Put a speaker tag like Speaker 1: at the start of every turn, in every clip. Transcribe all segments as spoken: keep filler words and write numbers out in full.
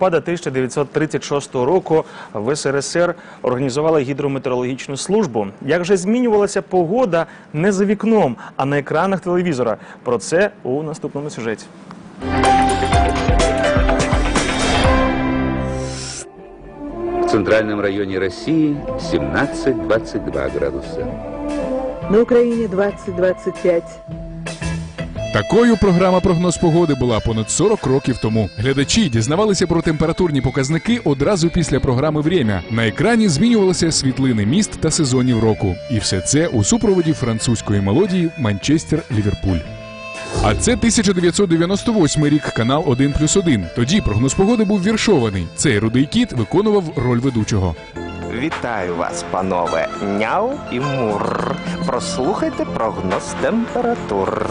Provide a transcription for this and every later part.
Speaker 1: листопада тисяча дев'ятсот тридцять шостого року в ес ер ес ер організували гідрометеорологічну службу. Як же змінювалася погода не за вікном, а на екранах телевізора? Про це у наступному сюжеті.
Speaker 2: В центральном районе России семнадцать — двадцать два градуса.
Speaker 3: На Україні двадцять — двадцять п'ять.
Speaker 4: Такою програма «Прогноз погоди» була понад сорок років тому. Глядачі дізнавалися про температурні показники одразу після програми «Время». На екрані змінювалися світлини міст та сезонів року. І все це у супроводі французької мелодії «Манчестер-Ліверпуль». А це тисяча дев'ятсот дев'яносто восьмий рік, канал один плюс один. Тоді прогноз погоди був віршований. Цей рудий кіт виконував роль ведучого.
Speaker 5: Вітаю вас, панове, няу і мур. Прослухайте прогноз температур.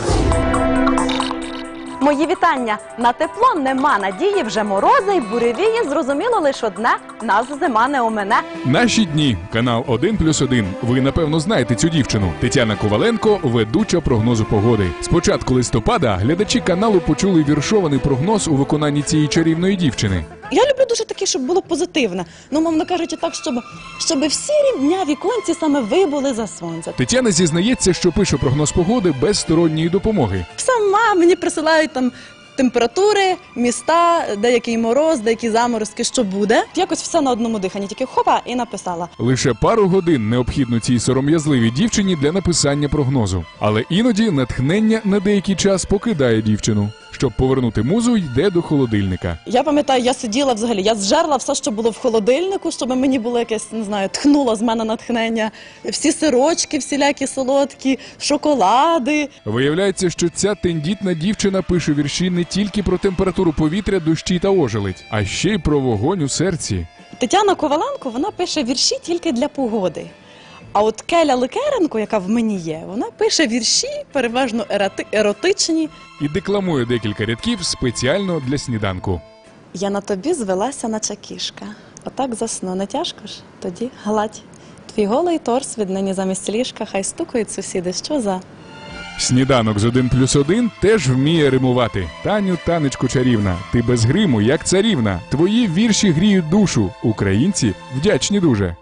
Speaker 6: Мої вітання! На тепло нема надії, вже морози й буревії, зрозуміло лише одне – нас зима не омине.
Speaker 4: Наші дні. Канал один плюс один. Ви, напевно, знаєте цю дівчину. Тетяна Коваленко – ведуча прогнозу погоди. З початку листопада глядачі каналу почули віршований прогноз у виконанні цієї чарівної дівчини.
Speaker 7: Я люблю дуже таке, щоб було позитивне. Ну, мовно кажучи, так, щоб, щоб всі рівня віконці саме ви були за сонце.
Speaker 4: Тетяна зізнається, що пише прогноз погоди без сторонньої допомоги.
Speaker 7: Сама мені присилають там температури, міста, деякий мороз, деякі заморозки, що буде. Якось все на одному диханні, тільки хопа і написала.
Speaker 4: Лише пару годин необхідно цій сором'язливій дівчині для написання прогнозу. Але іноді натхнення на деякий час покидає дівчину. Щоб повернути музу, йде до холодильника.
Speaker 7: Я пам'ятаю, я сиділа взагалі, я зжерла все, що було в холодильнику, щоб мені було якесь, не знаю, тхнуло з мене натхнення. Всі сирочки, всілякі солодкі, шоколади.
Speaker 4: Виявляється, що ця тендітна дівчина пише вірші не тільки про температуру повітря, дощі та ожеледь, а ще й про вогонь у серці.
Speaker 7: Тетяна Коваленко, вона пише вірші тільки для погоди. А от Келя Ликеренко, яка в мені є, вона пише вірші, переважно ероти... еротичні.
Speaker 4: І декламує декілька рядків спеціально для сніданку.
Speaker 7: Я на тобі звелася, наче кішка. Отак засну, не тяжко ж? Тоді гладь. Твій голий торс віднині замість ліжка, хай стукають сусіди, що за?
Speaker 4: Сніданок з один плюс один теж вміє римувати. Таню, танечку чарівна, ти без гриму, як царівна. Твої вірші гріють душу. Українці вдячні дуже.